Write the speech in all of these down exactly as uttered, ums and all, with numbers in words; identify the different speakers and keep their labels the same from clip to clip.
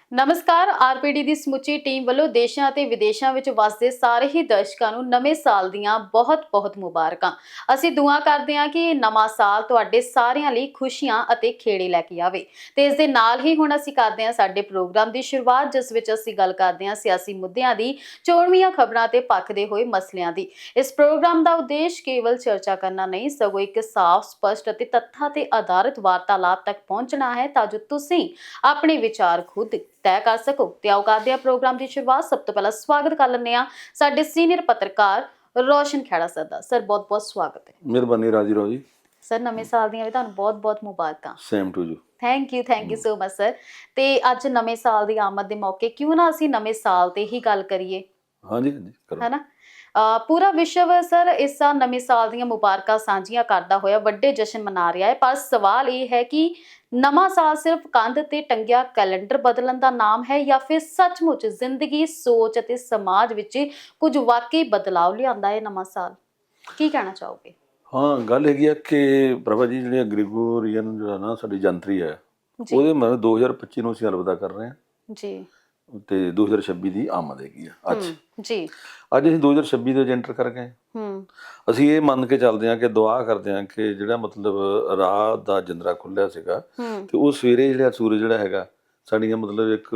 Speaker 1: ਨਮਸਕਾਰ। ਆਰਪੀਡੀ ਦੀ ਸਮੁੱਚੀ ਟੀਮ ਵੱਲੋਂ ਦੇਸ਼ਾਂ ਅਤੇ ਵਿਦੇਸ਼ਾਂ ਵਿੱਚ ਵਸਦੇ ਸਾਰੇ ਹੀ ਦਰਸ਼ਕਾਂ ਨੂੰ ਨਵੇਂ ਸਾਲ ਦੀਆਂ ਬਹੁਤ-ਬਹੁਤ ਮੁਬਾਰਕਾਂ। ਅਸੀਂ ਦੁਆ ਕਰਦੇ ਹਾਂ ਕਿ ਇਹ ਨਵਾਂ ਸਾਲ ਤੁਹਾਡੇ ਸਾਰਿਆਂ ਲਈ ਖੁਸ਼ੀਆਂ ਅਤੇ ਖੇੜੇ ਲੈ ਕੇ ਆਵੇ। ਤੇ ਇਸ ਦੇ ਨਾਲ ਹੀ ਹੁਣ ਅਸੀਂ ਕਰਦੇ ਹਾਂ ਸਾਡੇ ਪ੍ਰੋਗਰਾਮ ਦੀ ਸ਼ੁਰੂਆਤ, ਜਿਸ ਵਿੱਚ ਅਸੀਂ ਗੱਲ ਕਰਦੇ ਹਾਂ ਸਿਆਸੀ ਮੁੱਦਿਆਂ ਦੀ, ਚੋਣਵੀਆਂ ਖਬਰਾਂ ਤੇ ਭਖਦੇ ਹੋਏ ਮਸਲਿਆਂ ਦੀ। ਇਸ ਪ੍ਰੋਗਰਾਮ ਦਾ ਉਦੇਸ਼ ਕੇਵਲ ਚਰਚਾ ਕਰਨਾ ਨਹੀਂ, ਸਗੋਂ ਇੱਕ ਸਾਫ਼, ਸਪਸ਼ਟ ਅਤੇ ਤੱਥਾਂ ਤੇ ਆਧਾਰਿਤ ਵਾਰਤਾਲਾਪ ਤੱਕ ਪਹੁੰਚਣਾ ਹੈ, ਤਾਂ ਜੋ ਤੁਸੀਂ ਆਪਣੇ ਵਿਚਾਰ ਖੁਦ ਤੈਅ ਕਰ ਸਕੋ। ਤੇ ਆਓ ਕਰਦੇ ਹਾਂ ਪ੍ਰੋਗਰਾਮ ਦੀ ਸ਼ੁਰੂਆਤ। ਸਭ ਤੋਂ ਪਹਿਲਾਂ ਸਵਾਗਤ ਕਰ ਲੈਂਦੇ ਹਾਂ ਸਾਡੇ ਸੀਨੀਅਰ ਪੱਤਰਕਾਰ ਰੋਸ਼ਨ ਖੇੜਾ ਸਰ ਦਾ। ਸਰ ਬਹੁਤ-ਬਹੁਤ ਸਵਾਗਤ ਹੈ।
Speaker 2: ਮਿਹਰਬਾਨੀ ਰਾਜੀ ਰੋ ਜੀ।
Speaker 1: ਸਰ ਨਵੇਂ ਸਾਲ ਦੀਆਂ ਵੀ ਤੁਹਾਨੂੰ ਬਹੁਤ-ਬਹੁਤ ਮੁਬਾਰਕਾਂ।
Speaker 2: Same to you.
Speaker 1: Thank you thank you so much sir. ਤੇ ਅੱਜ ਨਵੇਂ ਸਾਲ ਦੀ ਆਮਦ ਦੇ ਮੌਕੇ ਕਿਉਂ ਨਾ ਅਸੀਂ ਨਵੇਂ ਸਾਲ ਤੇ ਹੀ ਗੱਲ ਕਰੀਏ।
Speaker 2: ਹਾਂਜੀ ਹਾਂਜੀ ਕਰੋ।
Speaker 1: ਹੈ ਨਾ, ਪੂਰਾ ਵਿਸ਼ਵ ਸਰ ਇਸ ਸਾਲ ਨਵੇਂ ਸਾਲ ਦੀਆਂ ਮੁਬਾਰਕਾਂ ਸਾਂਝੀਆਂ ਕਰਦਾ ਹੋਇਆ ਵੱਡੇ ਜਸ਼ਨ ਮਨਾ ਰਿਹਾ ਹੈ। ਪਰ ਸਵਾਲ ਇਹ ਹੈ ਕਿ ਨਵਾਂ ਸਾਲ ਸਿਰਫ ਕੰਧ ਤੇ ਟੰਗਿਆ ਕੈਲੰਡਰ ਬਦਲਣ ਦਾ ਨਾਮ ਹੈ, ਜਾਂ ਫਿਰ ਸੱਚਮੁੱਚ ਜ਼ਿੰਦਗੀ, ਸੋਚ ਅਤੇ ਸਮਾਜ ਵਿੱਚ ਕੁਝ ਵਾਕਈ ਬਦਲਾਅ ਲਿਆਉਂਦਾ ਹੈ ਨਵਾਂ ਸਾਲ? ਕੀ ਕਹਿਣਾ ਚਾਹੋਗੇ?
Speaker 2: ਹਾਂ, ਗੱਲ ਹੈਗੀ ਆ ਕਿ ਪ੍ਰਭਾ ਜੀ, ਜਿਹੜੀ ਗ੍ਰਿਗੋਰੀਅਨ ਜਿਹੜਾ ਨਾ ਸਾਡੀ ਜੰਤਰੀ ਹੈ, ਉਹਦੇ ਮਤਲਬ ਦੋ ਹਜ਼ਾਰ ਪੱਚੀ ਨੂੰ ਅਸੀਂ ਅਲਵਿਦਾ ਕਰ ਰਹੇ ਹਾਂ
Speaker 1: ਜੀ, ਤੇ
Speaker 2: ਦੋ ਹਜ਼ਾਰ ਛੱਬੀ ਦੀ ਆਮਦ ਹੈਗੀ ਆ ਅੱਜ
Speaker 1: ਜੀ।
Speaker 2: ਅੱਜ ਅਸੀਂ ਦੋ ਹਜ਼ਾਰ ਛੱਬੀ ਦੇ ਵਿੱਚ ਐਂਟਰ ਕਰ ਗਏ।
Speaker 1: ਹੂੰ,
Speaker 2: ਅਸੀਂ ਇਹ ਮੰਨ ਕੇ ਚੱਲਦੇ ਹਾਂ ਕਿ ਦੁਆ ਕਰਦੇ ਹਾਂ ਕਿ ਜਿਹੜਾ ਮਤਲਬ ਰਾਹ ਦਾ ਜਿੰਦਰਾ ਖੁੱਲਿਆ ਸੀਗਾ, ਤੇ ਉਹ ਸਵੇਰੇ ਜਿਹੜਾ ਸੂਰਜ ਜਿਹੜਾ ਹੈਗਾ ਸਾਡੀਆਂ ਮਤਲਬ ਇੱਕ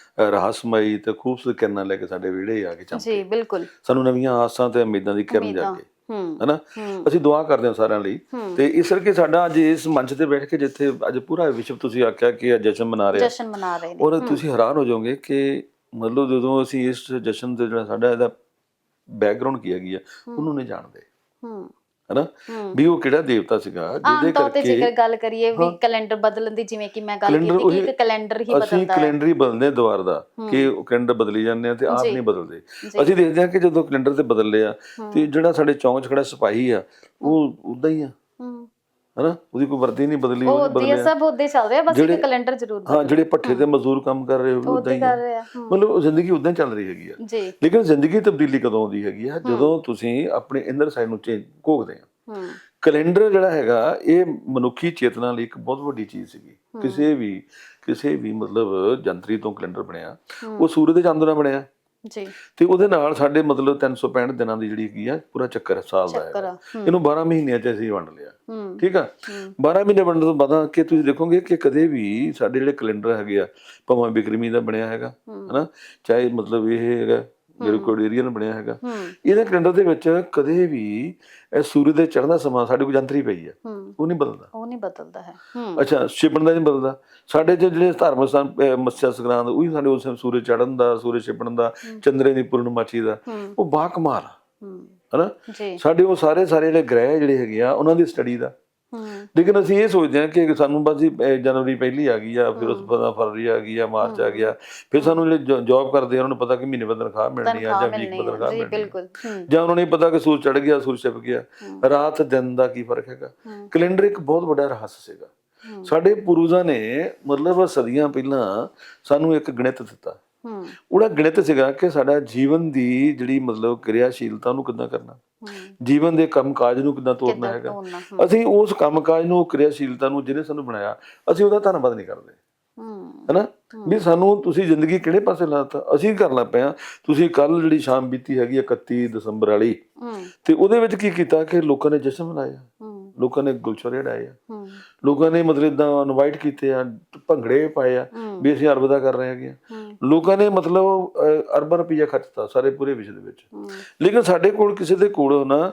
Speaker 2: ਰਹੱਸਮਈ ਤੇ ਖੂਬਸੂਰਤ ਕਿਰਨਾਂ ਲੈ ਕੇ ਸਾਡੇ ਵਿਹੜੇ ਆ ਕੇ ਚਮਕੇ।
Speaker 1: ਜੀ ਬਿਲਕੁਲ।
Speaker 2: ਸਾਨੂੰ ਨਵੀਆਂ ਆਸਾਂ ਤੇ ਉਮੀਦਾਂ ਦੀ ਕਿਰਨ ਜਾਗੇ, ਹਨਾ। ਅਸੀਂ ਦੁਆ ਕਰਦੇ ਹਾਂ ਸਾਰਿਆਂ ਲਈ। ਤੇ ਇਸ ਕਰਕੇ ਸਾਡਾ ਅੱਜ ਇਸ ਮੰਚ ਤੇ ਬੈਠ ਕੇ, ਜਿੱਥੇ ਅੱਜ ਪੂਰਾ ਵਿਸ਼ਵ ਤੁਸੀਂ ਆਖਿਆ ਕਿ ਜਸ਼ਨ ਮਨਾ ਰਿਹਾ,
Speaker 1: ਜਸ਼ਨ ਮਨਾ ਰਹੇ ਨੇ,
Speaker 2: ਔਰ ਤੁਸੀਂ ਹੈਰਾਨ ਹੋ ਜਾਓਗੇ ਕਿ ਮਤਲਬ ਜਦੋਂ ਅਸੀਂ ਇਸ ਜਸ਼ਨ ਤੇ ਜਿਹੜਾ ਸਾਡਾ ਇਹਦਾ ਬੈਕਗਰਾਉਂਡ ਕੀ ਹੈਗੀ ਆ, ਉਹਨੂੰ ਨਹੀਂ ਜਾਣਦੇ, ਹਨਾ, ਵੀ ਉਹ ਕਿਹੜਾ ਦੇਵਤਾ ਸੀਗਾ ਜਿਹਦੇ ਕਰਕੇ।
Speaker 1: ਜੇਕਰ ਗੱਲ ਕਰੀਏ ਵੀ ਕੈਲੰਡਰ ਬਦਲਣ ਦੀ, ਜਿਵੇਂ ਕਿ ਮੈਂ ਗੱਲ ਕੀਤੀ ਕਿ ਇੱਕ ਕੈਲੰਡਰ ਹੀ ਬਦਲਦਾ ਹੈ,
Speaker 2: ਅਸੀਂ ਕੈਲੰਡਰ ਹੀ ਬਦਲਦੇ ਦੁਆਰ ਦਾ, ਕਿ ਉਹ ਕੈਲੰਡਰ ਬਦਲੀ ਜਾਂਦੇ ਆ ਤੇ ਆਪ ਨਹੀਂ ਬਦਲਦੇ। ਅਸੀਂ ਦੇਖਦੇ ਹਾਂ ਕਿ ਜਦੋਂ ਕੈਲੰਡਰ ਤੇ ਬਦਲਦੇ ਆ ਤੇ ਜਿਹੜਾ ਸਾਡੇ ਚੌਂਕ 'ਚ ਖੜਾ ਸਿਪਾਹੀ ਆ, ਉਹ ਉਦਾਂ ਹੀ ਆ, ਹਨਾ, ਉਹਦੀ ਕੋਈ ਵਰਦੀ ਨਹੀਂ ਬਦਲੀ, ਉਹ ਬਦਲਿਆ,
Speaker 1: ਸਭ ਉਦਾਂ ਹੀ ਚੱਲ ਰਿਹਾ, ਬਸ ਇੱਕ ਕੈਲੰਡਰ ਜ਼ਰੂਰ।
Speaker 2: ਹਾਂ, ਜਿਹੜੇ ਭੱਠੇ ਤੇ ਮਜ਼ਦੂਰ ਕੰਮ ਕਰ ਰਹੇ ਉਹ ਉਦਾਂ ਹੀ ਆ, ਮਤਲਬ ਜ਼ਿੰਦਗੀ ਉਦਾਂ ਹੀ ਚੱਲ ਰਹੀ ਹੈਗੀ ਆ। ਲੇਕਿਨ ਜ਼ਿੰਦਗੀ ਤਬਦੀਲੀ ਕਦੋਂ ਆਉਂਦੀ ਹੈਗੀ ਆ? ਜਦੋਂ ਤੁਸੀਂ ਆਪਣੇ ਇੰਦਰ ਸਾਈਡ ਨੂੰ ਚੇਂਜ ਘੋਖਦੇ ਆ। ਕੈਲੰਡਰ ਜਿਹੜਾ ਹੈਗਾ, ਇਹ ਮਨੁੱਖੀ ਚੇਤਨਾ ਲਈ ਇੱਕ ਬਹੁਤ ਵੱਡੀ ਚੀਜ਼ ਸੀਗੀ। ਕਿਸੇ ਵੀ ਕਿਸੇ ਵੀ ਮਤਲਬ ਜੰਤਰੀ ਤੋਂ ਕੈਲੰਡਰ ਬਣਿਆ, ਉਹ ਸੂਰਜ ਦੇ ਚੰਦ ਨਾਲ ਬਣਿਆ ਜੀ, ਤੇ ਉਹਦੇ ਨਾਲ ਸਾਡੇ ਮਤਲਬ ਤਿੰਨ ਸੌ ਪੈਂਹਠ ਦਿਨਾਂ ਦੀ ਜਿਹੜੀ ਹੈਗੀ ਆ ਪੂਰਾ ਚੱਕਰ ਸਾਲ ਦਾ ਹੈਗਾ। ਇਹਨੂੰ ਬਾਰਾਂ ਮਹੀਨਿਆਂ 'ਚ ਅਸੀਂ ਵੰਡ ਲਿਆ, ਠੀਕ ਆ। ਬਾਰਾਂ ਮਹੀਨੇ ਵੰਡਣ ਤੋਂ ਬਾਅਦ ਕਿ ਤੁਸੀਂ ਦੇਖੋਗੇ ਕਿ ਕਦੇ ਵੀ ਸਾਡੇ ਜਿਹੜੇ ਕੈਲੰਡਰ ਹੈਗੇ ਆ, ਭਾਵੇਂ ਬਿਕਰਮੀ ਦਾ ਬਣਿਆ ਹੈਗਾ, ਹਨਾ, ਚਾਹੇ ਮਤਲਬ ਇਹ ਹੈਗਾ ਗ੍ਰਿਗੋਰੀਅਨ ਬਣਿਆ ਹੈਗਾ, ਇਹਦੇ ਕੈਲੰਡਰ ਦੇ ਵਿੱਚ ਕਦੇ ਵੀ ਇਹ ਸੂਰਜ ਦੇ ਚੜ੍ਹਨ ਦਾ ਸਮਾਂ ਸਾਡੇ ਕੋਲ ਜੰਤਰੀ ਪਈ ਆ, ਉਹ ਨਹੀਂ ਬਦਲਦਾ, ਉਹ ਨਹੀਂ ਬਦਲਦਾ ਹੈ। ਅੱਛਾ, ਛਿਪਣ ਦਾ ਨਹੀਂ ਬਦਲਦਾ। ਸਾਡੇ ਚ ਜਿਹੜੇ ਧਾਰਮਿਕ ਸਥਾਨ ਮੱਸਿਆ ਸੰਗਰਾਂਦ, ਉਹ ਵੀ ਸਾਡੇ ਉਸ ਸੂਰਜ ਚੜ੍ਹਨ ਦਾ, ਸੂਰਜ ਛਿਪਣ ਦਾ, ਚੰਦਰੇ ਦੀ ਪੂਰਨਮਾਸ਼ੀ ਦਾ, ਉਹ ਬਾ ਕਮਾਲ ਆ, ਹਨਾ। ਸਾਡੇ ਉਹ ਸਾਰੇ ਸਾਰੇ ਜਿਹੜੇ ਗ੍ਰਹਿ ਜਿਹੜੇ ਹੈਗੇ ਆ, ਉਹਨਾਂ ਦੀ ਸਟੱਡੀ ਦਾ। ਲੇਕਿਨ ਅਸੀਂ ਇਹ ਸੋਚਦੇ ਹਾਂ ਕਿ ਸਾਨੂੰ ਬਸ ਜਨਵਰੀ ਪਹਿਲੀ ਆ ਗਈ ਆ, ਫਿਰ ਉਸ ਤੋਂ ਬਾਅਦ ਫਰਵਰੀ ਆ ਗਈ ਆ, ਮਾਰਚ ਆ ਗਿਆ, ਫਿਰ ਸਾਨੂੰ ਜਿਹੜੇ ਜੋਬ ਕਰਦੇ ਆ ਉਹਨਾਂ ਨੂੰ ਪਤਾ ਕਿ ਮਹੀਨੇ ਬਾਅਦ ਤਨਖਾਹ ਮਿਲਣੀ ਆ, ਜਾਂ ਵੀਕ ਬਾਅਦ ਤਨਖਾਹ ਮਿਲਣੀ, ਜਾਂ ਉਹਨਾਂ ਨੂੰ ਪਤਾ ਕਿ ਸੂਰਜ ਚੜ੍ਹ ਗਿਆ, ਸੂਰਜ ਛਿਪ ਗਿਆ, ਰਾਤ ਦਿਨ ਦਾ ਕੀ ਫਰਕ ਹੈਗਾ। ਕੈਲੰਡਰ ਇੱਕ ਬਹੁਤ ਵੱਡਾ ਰਹੱਸ ਸੀਗਾ। ਸਾਡੇ ਪੂਰਵਜਾਂ ਨੇ ਮਤਲਬ ਸਦੀਆਂ ਪਹਿਲਾਂ ਸਾਨੂੰ ਇੱਕ ਗਣਿਤ ਦਿੱਤਾ। ਉਹਦਾ ਗਣਿਤ ਸੀਗਾ ਕਿ ਸਾਡਾ ਜੀਵਨ ਦੀ ਜਿਹੜੀ ਮਤਲਬ ਕਿਰਿਆਸ਼ੀਲਤਾ ਨੂੰ ਕਿੱਦਾਂ ਕਰਨਾ, ਜੀਵਨ ਦੇ ਕੰਮ ਕਾਜ ਨੂੰ ਕਿੱਦਾਂ ਤੋਰਨਾ ਹੈਗਾ। ਅਸੀਂ ਉਸ ਕੰਮ ਕਾਜ ਨੂੰ, ਕਿਰਿਆਸ਼ੀਲਤਾ ਨੂੰ, ਜਿਹਨੇ ਸਾਨੂੰ ਬਣਾਇਆ, ਅਸੀਂ ਉਹਦਾ ਧੰਨਵਾਦ ਨਹੀਂ ਕਰਦੇ, ਹਨਾ, ਵੀ ਸਾਨੂੰ ਤੁਸੀਂ ਜ਼ਿੰਦਗੀ ਕਿਹੜੇ ਪਾਸੇ ਲਾਤਾ। ਅਸੀਂ ਕਰਨ ਲੱਗ ਪਏ ਹਾਂ। ਤੁਸੀਂ ਕੱਲ ਜਿਹੜੀ ਸ਼ਾਮ ਬੀਤੀ ਹੈਗੀ ਇਕੱਤੀ ਦਸੰਬਰ ਵਾਲੀ, ਤੇ ਉਹਦੇ ਵਿੱਚ ਕੀ ਕੀਤਾ ਕਿ ਲੋਕਾਂ ਨੇ ਜਸ਼ਨ ਮਨਾਇਆ, ਲੋਕਾਂ ਨੇ ਗੁਲਸ਼ਰੇ ਉਡਾਏ ਆ, ਲੋਕਾਂ ਨੇ ਮਤਲਬ ਏਦਾਂ ਇਨਵਾਈਟ ਕੀਤੇ ਆ, ਭੰਗੜੇ ਪਾਏ ਆ ਵੀ ਅਸੀਂ ਅਲਵਿਦਾ ਕਰ ਰਹੇ ਹੈਗੇ ਆ। ਲੋਕਾਂ ਨੇ ਮਤਲਬ ਅਰਬਾਂ ਰੁਪਈਆ ਖਰਚਤਾ ਸਾਰੇ ਪੂਰੇ ਵਿਸ਼ਵ ਦੇ ਵਿੱਚ। ਲੇਕਿਨ ਸਾਡੇ ਕੋਲ ਕਿਸੇ ਦੇ ਕੋਲ ਨਾ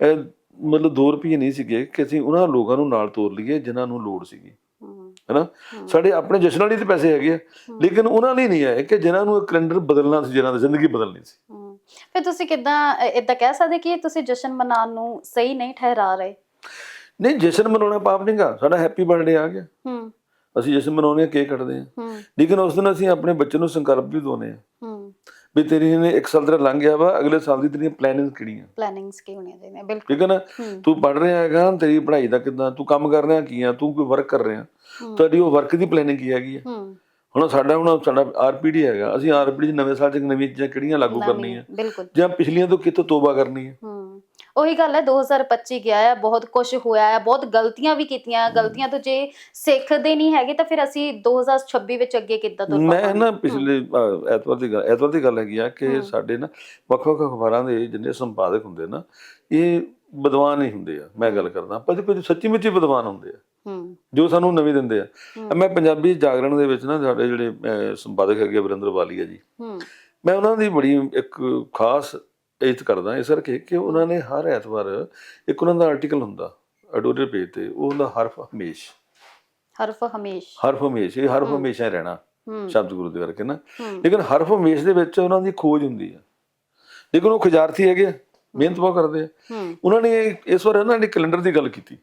Speaker 2: ਮਤਲਬ ਦੋ ਰੁਪਈਏ ਨਹੀਂ ਸੀਗੇ ਕਿ ਅਸੀਂ ਉਹਨਾਂ ਲੋਕਾਂ ਨੂੰ ਨਾਲ ਤੋਰ ਲਈਏ ਜਿਨ੍ਹਾਂ ਨੂੰ ਲੋੜ ਸੀਗੀ, ਹਨਾ। ਸਾਡੇ ਆਪਣੇ ਜਸ਼ਨਾਂ ਲਈ ਤੇ ਪੈਸੇ ਹੈਗੇ ਆ, ਲੇਕਿਨ ਉਹਨਾਂ ਲਈ ਨਹੀਂ ਆਏ ਕਿ ਜਿਨ੍ਹਾਂ ਨੂੰ ਕੈਲੰਡਰ ਬਦਲਣਾ ਸੀ, ਜਿਨ੍ਹਾਂ ਦੀ ਜ਼ਿੰਦਗੀ ਬਦਲਣੀ ਸੀ।
Speaker 1: ਫਿਰ ਤੁਸੀਂ ਕਿੱਦਾਂ ਏਦਾਂ ਕਹਿ ਸਕਦੇ ਕਿ ਤੁਸੀਂ ਜਸ਼ਨ ਮਨਾਉਣ ਨੂੰ ਸਹੀ ਨਹੀਂ ਠਹਿਰਾ ਰਹੇ? ਨਹੀਂ,
Speaker 2: ਜਸ਼ਨ ਮਨਾਉਣਾ ਪਾਪ ਨਹੀਂ ਗਾ। ਸਾਡਾ ਹੈਪੀ ਬਰਥਡੇ ਆ ਗਿਆ, ਅਸੀਂ ਜਸ਼ਨ ਮਨਾਉਂਦੇ ਹਾਂ, ਕੇਕ ਕੱਟਦੇ ਹਾਂ, ਲੇਕਿਨ ਉਸ ਦਿਨ ਅਸੀਂ ਆਪਣੇ ਬੱਚੇ ਨੂੰ ਸੰਕਲਪ ਵੀ ਦਿਵਾਉਂਦੇ ਹਾਂ ਵੀ ਤੇਰੀ ਨੇ ਇੱਕ ਸਾਲ ਤੇਰਾ ਲੰਘ ਗਿਆ ਵਾ, ਅਗਲੇ ਸਾਲ ਦੀ ਤੇਰੀਆਂ ਪਲੈਨਿੰਗ ਕਿਹੜੀਆਂ,
Speaker 1: ਪਲੈਨਿੰਗਸ ਕੀ ਹੋਣੀਆਂ ਚਾਹੀਦੀਆਂ। ਬਿਲਕੁਲ,
Speaker 2: ਠੀਕ ਹੈ ਨਾ। ਤੂੰ ਪੜ੍ਹ ਰਿਹਾ ਹੈਗਾ, ਤੇਰੀ ਪੜ੍ਹਾਈ ਦਾ ਕਿੱਦਾਂ, ਤੂੰ ਕੰਮ ਕਰ ਰਿਹਾ ਕੀ ਆ, ਤੂੰ ਕੋਈ ਵਰਕ ਕਰ ਰਿਹਾ, ਤੁਹਾਡੀ ਉਹ ਵਰਕ ਦੀ ਪਲੈਨਿੰਗ ਕੀ ਹੈਗੀ ਆ। ਹੁਣ ਸਾਡਾ ਹੁਣ ਸਾਡਾ ਆਰਪੀਡੀ ਹੈਗਾ, ਅਸੀਂ ਆਰਪੀਡੀ ਚ ਨਵੇਂ ਸਾਲ ਚ ਨਵੀਆਂ ਚੀਜ਼ਾਂ ਕਿਹੜੀਆਂ ਲਾਗੂ ਕਰਨੀਆਂ, ਜਾਂ ਪਿਛਲੀਆਂ ਤੋਂ ਕਿਤੋਂ ਤੋਬਾ ਕਰਨੀ ਹੈ।
Speaker 1: ਉਹੀ ਗੱਲ ਹੈ, ਦੋ ਹਜ਼ਾਰ ਪੱਚੀ ਗਿਆ ਹੈ, ਬਹੁਤ ਕੁਝ ਹੋਇਆ ਹੈ, ਬਹੁਤ ਗਲਤੀਆਂ ਵੀ ਕੀਤੀਆਂ। ਗਲਤੀਆਂ ਤੋਂ ਜੇ ਸਿੱਖਦੇ ਨਹੀਂ ਹੈਗੇ ਤਾਂ ਫਿਰ ਅਸੀਂ ਦੋ ਹਜ਼ਾਰ ਛੱਬੀ ਵਿੱਚ ਅੱਗੇ ਕਿੱਦਾਂ ਤੁਰ ਪਾਵਾਂਗੇ?
Speaker 2: ਮੈਂ ਨਾ ਪਿਛਲੇ ਅ, ਐਤਵਾਰ ਦੀ ਗੱਲ ਐਤਵਾਰ ਦੀ ਗੱਲ ਹੈਗੀ ਆ ਕਿ ਸਾਡੇ ਨਾ ਵੱਖ ਵੱਖ ਅਖਬਾਰਾਂ ਦੇ ਜਿੰਨੇ ਸੰਪਾਦਕ ਹੁੰਦੇ ਨਾ, ਇਹ ਵਿਦਵਾਨ ਹੀ ਹੁੰਦੇ ਆ। ਮੈਂ ਗੱਲ ਕਰਦਾ ਪਰ ਕੁਝ ਸੱਚੀ ਮੁੱਚੀ ਵਿਦਵਾਨ ਹੁੰਦੇ ਆ ਜੋ ਸਾਨੂੰ ਨਵੀਂ ਦਿੰਦੇ ਆ। ਮੈਂ ਪੰਜਾਬੀ ਜਾਗਰਣ ਦੇ ਵਿੱਚ ਨਾ ਸਾਡੇ ਜਿਹੜੇ ਸੰਪਾਦਕ ਹੈਗੇ ਵਰਿੰਦਰ ਵਾਲੀਆ ਜੀ, ਮੈਂ ਉਹਨਾਂ ਦੀ ਬੜੀ ਇੱਕ ਖਾਸ ਇੱਜ਼ਤ ਕਰਦਾ ਇਸ ਕਰਕੇ ਕਿ ਉਹਨਾਂ ਨੇ ਹਰ ਐਤਵਾਰ ਇੱਕ ਉਹਨਾਂ ਦਾ ਆਰਟੀਕਲ ਹੁੰਦਾ ਐਡੀਟੋਰੀਅਲ ਪੇਜ ਤੇ, ਉਹ ਹੁੰਦਾ ਹਰਫ ਹਮੇਸ਼।
Speaker 1: ਹਰਫ ਹਮੇਸ਼
Speaker 2: ਹਰਫ ਹਮੇਸ਼, ਇਹ ਹਰਫ ਹਮੇਸ਼ਾ ਹੀ ਰਹਿਣਾ ਸ਼ਬਦ ਗੁਰੂ ਦੇ ਕਰਕੇ ਨਾ। ਲੇਕਿਨ ਹਰਫ ਹਮੇਸ਼ ਦੇ ਵਿੱਚ ਉਹਨਾਂ ਦੀ ਖੋਜ ਹੁੰਦੀ ਆ। ਲੇਕਿਨ ਉਹ ਖੁਜਾਰਤੀ ਹੈਗੇ ਆ, ਮਿਹਨਤ ਬਹੁਤ ਕਰਦੇ ਆ। ਉਹਨਾਂ ਨੇ ਇਸ ਵਾਰ ਇਹਨਾਂ ਨੇ ਕੈਲੰਡਰ ਦੀ ਗੱਲ ਕੀਤੀ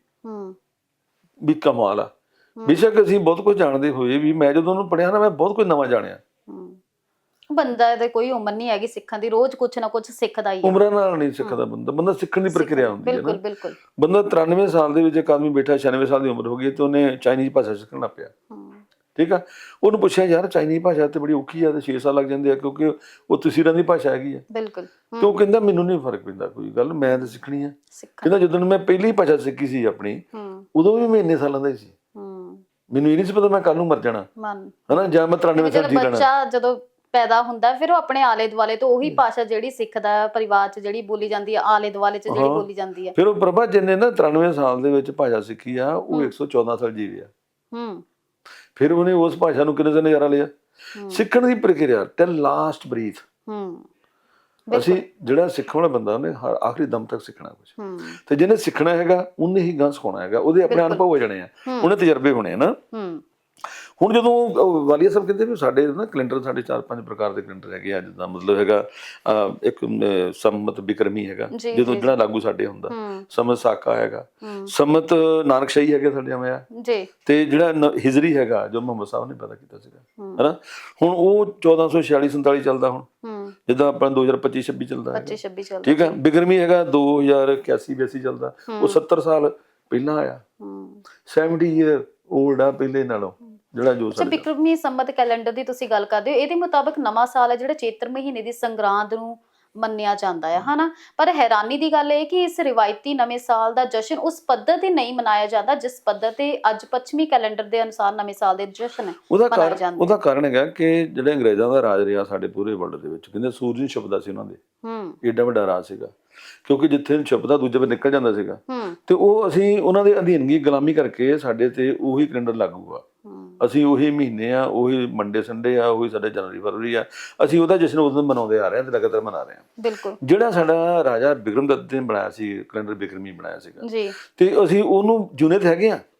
Speaker 2: ਵੀ ਕਮਾਲ ਆ। ਬੇਸ਼ੱਕ ਅਸੀਂ ਬਹੁਤ ਕੁਝ ਜਾਣਦੇ ਹੋਏ ਵੀ, ਮੈਂ ਜਦੋਂ ਉਹਨੂੰ ਪੜ੍ਹਿਆ ਨਾ, ਮੈਂ ਬਹੁਤ ਕੁਝ ਨਵਾਂ ਜਾਣਿਆ।
Speaker 1: ਬੰਦਾ ਇਹਦੇ ਕੋਈ ਉਮਰ ਨਹੀਂ ਹੈਗੀ ਸਿੱਖਣ ਦੀ, ਰੋਜ਼ ਕੁਛ ਨਾ ਕੁਛ ਸਿੱਖਦਾ ਹੀ ਹੈ।
Speaker 2: ਉਮਰਾਂ ਨਾਲ ਨਹੀਂ ਸਿੱਖਦਾ ਬੰਦਾ, ਬੰਦਾ ਸਿੱਖਣ ਦੀ ਪ੍ਰਕਿਰਿਆ ਹੁੰਦੀ ਹੈ ਨਾ।
Speaker 1: ਬਿਲਕੁਲ ਬਿਲਕੁਲ।
Speaker 2: ਬੰਦਾ ਤਰਾਨਵੇਂ ਸਾਲ ਦੇ ਵਿੱਚ ਇੱਕ ਆਦਮੀ ਬੈਠਾ, ਛਿਆਨਵੇਂ ਸਾਲ ਦੀ ਉਮਰ ਹੋ ਗਈ ਤੇ ਉਹਨੇ ਚਾਈਨੀਜ਼ ਭਾਸ਼ਾ ਸਿੱਖਣ ਲੱਗ ਪਿਆ। ਠੀਕ ਆ, ਉਹਨੂੰ ਪੁੱਛਿਆ ਯਾਰ ਚਾਈਨੀਜ਼ ਭਾਸ਼ਾ ਤੇ ਬੜੀ ਔਖੀ ਆ ਤੇ ਛੇ ਸਾਲ ਲੱਗ ਜਾਂਦੇ ਆ ਕਿਉਂਕਿ ਉਹ ਤਸੀਰਾਂ ਦੀ ਭਾਸ਼ਾ ਹੈਗੀ ਆ।
Speaker 1: ਬਿਲਕੁਲ।
Speaker 2: ਤੇ ਉਹ ਕਹਿੰਦਾ ਮੈਨੂੰ ਨਹੀਂ ਫਰਕ ਪੈਂਦਾ ਕੋਈ ਗੱਲ, ਮੈਂ ਤਾਂ ਸਿੱਖਣੀ ਆ। ਕਹਿੰਦਾ ਜਦੋਂ ਮੈਂ ਪਹਿਲੀ ਭਾਸ਼ਾ ਸਿੱਖੀ ਸੀ ਆਪਣੀ, ਉਦੋਂ ਵੀ ਮੈਂ ਇੰਨੇ ਸਾਲਾਂ ਦਾ ਹੀ ਸੀ, ਮੈਨੂੰ ਇਹ ਨਹੀਂ ਸੀ ਪਤਾ ਮੈਂ ਕੱਲ ਨੂੰ ਮਰ ਜਾਣਾ ਹਨਾ, ਜਾਂ ਮੈਂ ਤਰਾਨਵੇਂ ਸਾਲ ਜੀ ਲੈਣਾ।
Speaker 1: ਬੱਚਾ ਜਦੋਂ ਪੈਦਾ ਹੁੰਦਾ ਫਿਰ ਉਹ ਆਪਣੇ ਆਲੇ ਦੁਆਲੇ ਤੋਂ ਉਹੀ ਭਾਸ਼ਾ ਜਿਹੜੀ ਸਿੱਖਦਾ, ਪਰਿਵਾਰ 'ਚ ਜਿਹੜੀ ਬੋਲੀ ਜਾਂਦੀ ਹੈ, ਆਲੇ ਦੁਆਲੇ 'ਚ ਜਿਹੜੀ ਬੋਲੀ ਜਾਂਦੀ ਹੈ।
Speaker 2: ਫਿਰ ਉਹ ਪ੍ਰਭਾ ਜਿਹਨੇ ਨਾ ਤਰਾਨਵੇਂ ਸਾਲ ਦੇ ਵਿੱਚ ਭਾਸ਼ਾ ਸਿੱਖੀ ਆ, ਉਹ ਇੱਕ ਸੌ ਚੌਦਾਂ ਸਾਲ ਜੀ ਰਿਹਾ। ਹੂੰ, ਫਿਰ ਉਹਨੇ ਉਸ ਭਾਸ਼ਾ ਨੂੰ ਕਿੰਨੇ ਨਜ਼ਾਰਾ ਲਿਆ। ਸਿੱਖਣ ਦੀ ਪ੍ਰਕਿਰਿਆ ਟਿਲ ਲਾਸਟ ਬਰੀਥ। ਹੂੰ, ਅਸੀਂ ਜਿਹੜਾ ਸਿੱਖਣ ਵਾਲਾ ਬੰਦਾ ਉਹਨੇ ਹਰ ਆਖਰੀ ਦਮ ਤੱਕ ਸਿੱਖਣਾ ਕੁਝ, ਤੇ ਜਿਹਨੇ ਸਿੱਖਣਾ ਹੈਗਾ ਉਹਨੇ ਹੀ ਗਾਂ ਸਿਖਾਉਣਾ ਹੈਗਾ। ਉਹਦੇ ਆਪਣੇ ਅਨੁਭਵ ਹੋ ਜਾਣੇ ਆ, ਉਹਨੇ ਤਜਰਬੇ ਹੋਣੇ ਆ ਨਾ। ਹੁਣ ਜਦੋਂ ਵਾਲੀਆ ਸਾਹਿਬ ਕਹਿੰਦੇ ਵੀ ਸਾਡੇ ਨਾ ਕੈਲੰਡਰ ਸਾਡੇ ਚਾਰ ਪੰਜ ਪ੍ਰਕਾਰ ਦੇ ਕੈਲੰਡਰ ਹੈਗੇ ਆ, ਜਿੱਦਾਂ ਮਤਲਬ ਹੈਗਾ ਇੱਕ ਸੰਮਤ ਬਿਕਰਮੀ ਹੈਗਾ ਜਦੋਂ ਜਿਹੜਾ ਲਾਗੂ ਸਾਡੇ ਹੁੰਦਾ, ਸੰਮਤ ਸਾਕਾ ਹੈਗਾ, ਸੰਮਤ ਨਾਨਕਸ਼ਾਹੀ ਹੈਗੇ ਸਾਡੇ ਆਵੇਂ ਆ, ਤੇ ਜਿਹੜਾ ਹਿਜਰੀ ਹੈਗਾ ਜੋ ਮੁਹੰਮਦ ਸਾਹਿਬ ਨੇ ਪੈਦਾ ਕੀਤਾ ਸੀਗਾ ਹਨਾ। ਹੁਣ ਉਹ ਚੌਦਾਂ ਸੌ ਛਿਆਲੀ ਸੰਤਾਲੀ ਚੱਲਦਾ ਹੁਣ, ਜਿੱਦਾਂ ਆਪਣਾ ਦੋ ਹਜ਼ਾਰ ਪੱਚੀ ਛੱਬੀ ਚੱਲਦਾ, ਠੀਕ ਹੈ। ਬਿਕਰਮੀ ਹੈਗਾ ਦੋ ਹਜ਼ਾਰ ਇਕਿਆਸੀ ਬਿਆਸੀ ਚੱਲਦਾ, ਉਹ ਸੱਤਰ ਸਾਲ ਪਹਿਲਾਂ ਆਇਆ, ਸੈਵਨਟੀ ਈਅਰ ਓਲਡ ਆ ਪਹਿਲੇ ਨਾਲੋਂ। ਜਿਹੜਾ ਜੋ
Speaker 1: ਅੱਛਾ, ਬਿਕਰਮੀ ਸੰਮਤ ਕੈਲੰਡਰ ਦੀ ਤੁਸੀਂ ਗੱਲ ਕਰਦੇ ਹੋ, ਇਹਦੇ ਮੁਤਾਬਕ ਨਵਾਂ ਸਾਲ ਹੈ ਜਿਹੜਾ ਚੇਤਰ ਮਹੀਨੇ ਦੀ ਸੰਗਰਾਂਦ ਨੂੰ ਮੰਨਿਆ ਜਾਂਦਾ ਹੈ ਹਨਾ। ਪਰ ਹੈਰਾਨੀ ਦੀ ਗੱਲ ਇਹ ਕਿ ਇਸ ਰਿਵਾਇਤੀ ਨਵੇਂ ਸਾਲ ਦਾ ਜਸ਼ਨ ਉਸ ਪੱਧਰ ਤੇ ਨਹੀਂ ਮਨਾਇਆ ਜਾਂਦਾ ਜਿਸ ਪੱਧਰ ਤੇ ਅੱਜ ਪੱਛਮੀ ਕੈਲੰਡਰ ਦੇ ਅਨੁਸਾਰ ਨਵੇਂ ਸਾਲ ਦੇ ਜਸ਼ਨ ਮਨਾਏ ਜਾਂਦੇ।
Speaker 2: ਉਹਦਾ ਕਾਰਨ ਹੈਗਾ ਕਿ ਜਿਹੜੇ ਅੰਗਰੇਜ਼ਾਂ ਦਾ ਰਾਜ ਰਿਹਾ ਸਾਡੇ ਪੂਰੇ ਵਰਲਡ ਦੇ ਵਿੱਚ, ਕਹਿੰਦੇ ਸੂਰਜ ਨਹੀਂ ਛੁਪਦਾ ਸੀ ਉਹਨਾਂ ਦੇ, ਏਡਾ ਵੱਡਾ ਰਾਜ ਸੀਗਾ, ਕਿਉਂਕਿ ਜਿੱਥੇ ਛੁਪਦਾ ਦੂਜੇ ਪਾਸੇ ਨਿਕਲ ਜਾਂਦਾ ਸੀਗਾ। ਤੇ ਉਹ ਅਸੀਂ ਉਹਨਾਂ ਦੇ ਅਧੀਨਗੀ ਗੁਲਾਮੀ ਕਰਕੇ ਸਾਡੇ ਤੇ ਉਹੀ ਕੈਲੰਡਰ ਲਾਗੂ ਆ, ਅਸੀਂ ਉਹੀ ਮਹੀਨੇ ਆ, ਉਹੀ ਮੰਡੇ ਸੰਡੇ ਆ, ਉਹੀ ਸਾਡੇ ਜਨਵਰੀ ਫਰਵਰੀ ਆ, ਅਸੀਂ ਉਹਦਾ ਜਸ਼ਨ ਉਦੋਂ ਮਨਾਉਂਦੇ ਆ ਰਹੇ ਹਾਂ ਤੇ ਲਗਾਤਾਰ ਮਨਾ ਰਹੇ ਹਾਂ। ਬਿਲਕੁਲ। ਜਿਹੜਾ ਸਾਡਾ ਰਾਜਾ ਬਿਕਰਮ ਦੱਤ ਨੇ ਬਣਾਇਆ ਸੀ ਕੈਲੰਡਰ, ਬਿਕਰਮੀ ਬਣਾਇਆ ਸੀਗਾ ਜੀ, ਤੇ ਅਸੀਂ ਉਹਨੂੰ ਜੁਨੇ ਤੇ ਹੈਗੇ ਆ,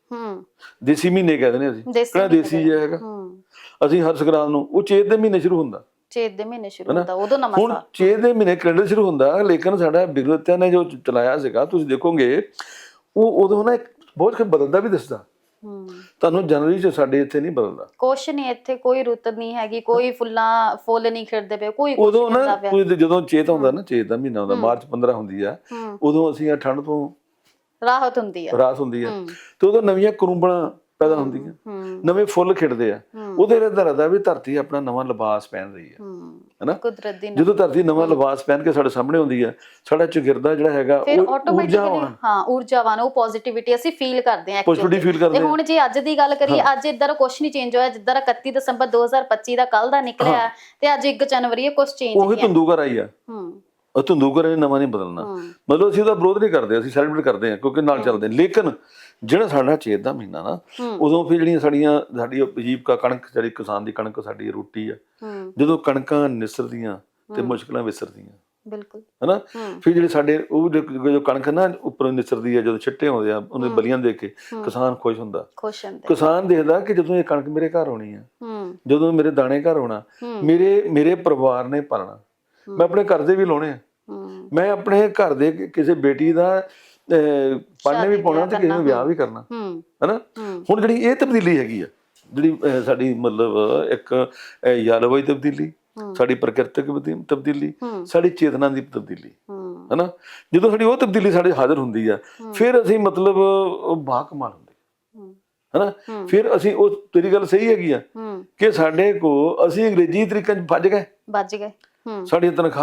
Speaker 2: ਦੇਸੀ ਮਹੀਨੇ ਕਹਿੰਦੇ ਨੇ ਅਸੀਂ, ਕਿਹੜਾ ਦੇਸੀ ਜਿਹਾ ਹੈਗਾ। ਅਸੀਂ ਹਰ ਸੰਗਰਾਂਦ ਨੂੰ, ਉਹ ਚੇਤ ਦੇ ਮਹੀਨੇ ਸ਼ੁਰੂ ਹੁੰਦਾ, ਚੇਤ ਦੇ ਮਹੀਨੇ ਸ਼ੁਰੂ ਹੁੰਦਾ ਉਦੋਂ ਨਵਾਂ ਸਾਲ। ਹੁਣ ਚੇਤ ਦੇ ਮਹੀਨੇ ਕੈਲੰਡਰ ਸ਼ੁਰੂ ਹੁੰਦਾ, ਲੇਕਿਨ ਸਾਡਾ ਬਿਕਰਮ ਨੇ ਜੋ ਚਲਾਇਆ ਸੀਗਾ ਤੁਸੀਂ ਦੇਖੋਗੇ, ਉਹ ਉਦੋਂ ਨਾ ਬਹੁਤ ਕੁਝ ਬਦਲਦਾ ਵੀ ਦਿਸਦਾ ਤੁਹਾਨੂੰ। ਜਨਵਰੀ ਚ ਸਾਡੇ ਇੱਥੇ ਨਹੀਂ ਬਦਲਦਾ ਕੁਛ ਨਹੀਂ, ਇੱਥੇ ਕੋਈ ਰੁੱਤ ਨਹੀਂ ਹੈਗੀ, ਕੋਈ ਫੁੱਲਾਂ ਫੁੱਲ ਨਹੀਂ ਖਿੜਦੇ ਪਏ, ਕੋਈ ਉਦੋਂ ਨਾ ਜਦੋਂ ਚੇਤ ਆਉਂਦਾ ਨਾ, ਚੇਤ ਦਾ ਮਹੀਨਾ ਆਉਂਦਾ, ਮਾਰਚ ਪੰਦਰਾਂ ਹੁੰਦੀ ਆ, ਉਦੋਂ ਅਸੀਂ ਆ ਠੰਡ ਤੋਂ ਰਾਹਤ ਹੁੰਦੀ ਆ, ਰਾਹਤ ਹੁੰਦੀ ਆ, ਤੇ ਉਦੋਂ ਨਵੀਆਂ ਕਰੂੰਬਲਾਂ ਪੈਦਾ ਹੁੰਦੀਆਂ, ਨਵੇਂ ਫੁੱਲ ਖਿੜਦੇ ਆ। ਉਹਦੇ ਦਰਦਾ ਵੀ ਧਰਤੀ ਆਪਣਾ ਨਵਾਂ ਲਿਬਾਸ ਪਹਿਨ ਰਹੀ ਹੈ ਹਨਾ। ਜਦੋਂ ਧਰਤੀ ਨਵਾਂ ਲਿਬਾਸ ਪਹਿਨ ਕੇ ਸਾਡੇ ਸਾਹਮਣੇ ਆਉਂਦੀ ਹੈ, ਸਾਡਾ ਚੁਗਿਰਦਾ ਜਿਹੜਾ ਹੈਗਾ ਉਹ ਊਰਜਾਵਾਨ, ਹਾਂ ਊਰਜਾਵਾਨ, ਉਹ ਪੋਜ਼ਿਟਿਵਿਟੀ ਅਸੀਂ ਫੀਲ ਕਰਦੇ ਹਾਂ, ਪੋਜ਼ਿਟਿਵਿਟੀ ਫੀਲ ਕਰਦੇ ਹਾਂ। ਤੇ ਹੁਣ ਜੇ ਅੱਜ ਦੀ ਗੱਲ ਕਰੀਏ, ਅੱਜ ਇੱਧਰ ਕੁਛ ਨਹੀਂ ਚੇਂਜ ਹੋਇਆ, ਜਿੱਦਾਂ ਇਕੱਤੀ ਦਸੰਬਰ ਦੋ ਹਜ਼ਾਰ ਪੱਚੀ ਦਾ ਕੱਲ ਦਾ ਨਿਕਲਿਆ ਤੇ ਅੱਜ ਇੱਕ ਜਨਵਰੀ ਹੈ, ਕੁਛ ਚੇਂਜ ਨਹੀਂ ਹੈ। ਉਹੀ ਧੁੰਦੂਕਰ ਆਈ ਆ, ਉਹ ਧੁੰਦੂਕਰ ਨੇ ਨਵਾਂ ਨਹੀਂ ਬਦਲਣਾ। ਮਤਲਬ ਅਸੀਂ ਉਹਦਾ ਵਿਰੋਧ ਨਹੀਂ ਕਰਦੇ, ਅਸੀਂ ਸੈਲੀਬ੍ਰੇਟ ਕਰਦੇ ਹਾਂ ਕਿਉਂਕਿ ਨਾਲ ਚੱਲਦੇ। ਲੇਕਿਨ ਜਿਹੜਾ ਸਾਡਾ ਚੇਤ ਦਾ ਮਹੀਨਾ ਨਾ, ਉਦੋਂ ਫਿਰ ਜਿਹੜੀਆਂ ਸਾਡੀਆਂ ਸਾਡੀ ਉਪਜੀਵਕਾ ਕਣਕ, ਜਿਹੜੀ ਕਿਸਾਨ ਦੀ ਕਣਕ ਸਾਡੀ ਰੋਟੀ ਆ, ਜਦੋਂ ਕਣਕਾਂ ਨਿਸਰਦੀਆਂ ਤੇ ਮੁਸ਼ਕਲਾਂ ਵਿਸਰਦੀਆਂ, ਬਿਲਕੁਲ ਹਨਾ। ਫਿਰ ਜਿਹੜੇ ਸਾਡੇ ਉਹ ਜੋ ਕਣਕ ਨਾ ਉੱਪਰੋਂ ਨਿਸਰਦੀ ਆ, ਜਦੋਂ ਛਿੱਟੇ ਆਉਂਦੇ ਆ ਉਹਨੇ ਬਲੀਆਂ ਦੇਖ ਕੇ ਕਿਸਾਨ ਖੁਸ਼ ਹੁੰਦਾ। ਕਿਸਾਨ ਦੇਖਦਾ ਕਿ ਜਦੋਂ ਇਹ ਕਣਕ ਮੇਰੇ ਘਰ ਆਉਣੀ ਆ, ਜਦੋਂ ਮੇਰੇ ਦਾਣੇ ਘਰ ਆਉਣਾ, ਮੇਰੇ ਮੇਰੇ ਪਰਿਵਾਰ ਨੇ ਪਾਲਣਾ, ਮੈਂ ਆਪਣੇ ਘਰ ਦੇ ਵੀ ਲਾਉਣੇ ਆ, ਮੈਂ ਆਪਣੇ ਘਰ ਦੇ ਕਿਸੇ ਬੇਟੀ ਦਾ ਪੜ੍ਹਨੇ ਵੀ ਪਾਉਣਾ ਤੇ ਕਿਸੇ ਨੂੰ ਵਿਆਹ ਵੀ ਕਰਨਾ ਹਨਾ। ਹੁਣ ਜਿਹੜੀ ਇਹ ਤਬਦੀਲੀ ਹੈਗੀ ਆ, ਜਿਹੜੀ ਸਾਡੀ ਮਤਲਬ ਇੱਕ ਜਲਵਾਯੂ ਤਬਦੀਲੀ, ਸਾਡੀ ਪ੍ਰਕਿਰਤਿਕ ਤਬਦੀਲੀ, ਸਾਡੀ ਚੇਤਨਾ ਦੀ ਤਬਦੀਲੀ ਹਨਾ, ਜਦੋਂ ਸਾਡੀ ਉਹ ਤਬਦੀਲੀ ਸਾਡੇ ਹਾਜ਼ਰ ਹੁੰਦੀ ਆ, ਫਿਰ ਅਸੀਂ ਮਤਲਬ ਬਾ ਕਮਾਲ ਹੁੰਦੇ ਹਨਾ। ਫਿਰ ਅਸੀਂ, ਉਹ ਤੇਰੀ ਗੱਲ ਸਹੀ ਹੈਗੀ ਆ ਕਿ ਸਾਡੇ ਕੋਲ ਅਸੀਂ ਅੰਗਰੇਜ਼ੀ ਤਰੀਕੇ ਚ ਵੱਜ ਗਏ ਵੱਜ ਗਏ ਸਾਡੀਆਂ ਤਨਖਾਹਾਂ